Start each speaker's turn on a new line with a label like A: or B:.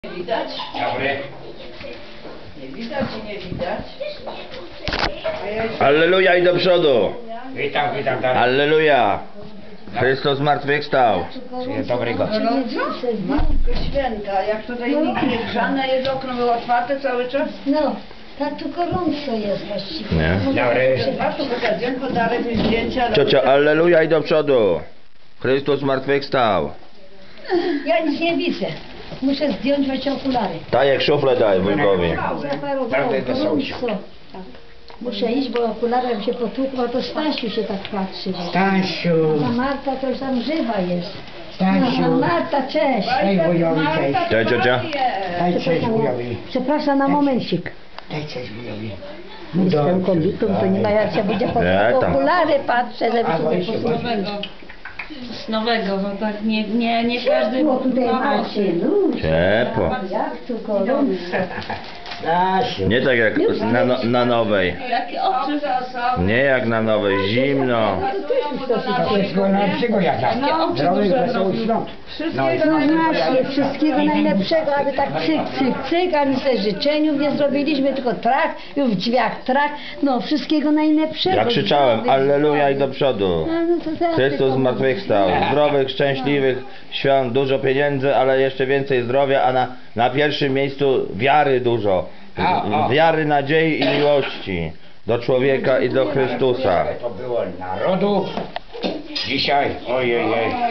A: Widać?
B: Dobry.
A: Nie widać i nie widać.
C: Alleluja i do przodu!
B: Witam, witam. Tak.
C: Alleluja! Chrystus zmartwychwstał!
B: Dzień dobrego.
A: Matko Święta, jak tutaj nikt nie grzane jest, okno było otwarte cały czas.
D: No, tak tu gorąco jest właściwie.
C: Nie?
B: Dobry.
A: Przepraszam, pokazuję podarek i zdjęcia. ale-
C: Ciocia, alleluja i do przodu! Chrystus zmartwychwstał!
D: Ja nic nie widzę. Muszę zdjąć właśnie okulary.
C: Tajek szuflę daj wujkowi.
D: Zaparowało,
B: Prawda, to są
D: gorąco. Muszę iść, bo okularem się potłukło, to Stasiu się tak patrzy.
B: Stasiu.
D: A Marta to już tam żywa jest.
B: Stasiu.
D: A Marta, cześć.
B: Daj wujowi, cześć.
C: Cześć, ciocia.
B: Daj cześć wujowi.
D: Przepraszam na momencik.
B: Daj cześć wujowi.
D: Jestem kobietą, to nie ma jak się będzie po
C: Nie, tam.
D: okulary patrzę, żeby
B: A,
D: się
B: weź
D: nie
B: się,
D: posłuchać.
E: Z nowego, bo tak nie każdy
D: Bo tutaj
E: ma
D: macie ludzi.
C: Ciepło.
D: Jak tu gorąco.
B: Stasiu.
C: Nie tak jak na nowej.
E: Jakie oczy.
C: Nie jak na nowej, zimno.
B: Wszystkiego najlepszego jaka. Zdrowych, wesołych świąt.
D: No właśnie, wszystkiego najlepszego, aby tak cyk, cyk, cyk, a nic ze życzeniów nie zrobiliśmy, tylko trach, już w drzwiach trach, no wszystkiego najlepszego.
C: Ja krzyczałem, alleluja i do przodu.
D: No to teraz
C: Chrystus
D: tylko-
C: zmartwychwstał. Zdrowych, szczęśliwych świąt, dużo pieniędzy, ale jeszcze więcej zdrowia, a na pierwszym miejscu wiary dużo. Wiary, nadziei i miłości do człowieka i do Chrystusa.
B: To było narodu. Dzisiaj, ojej.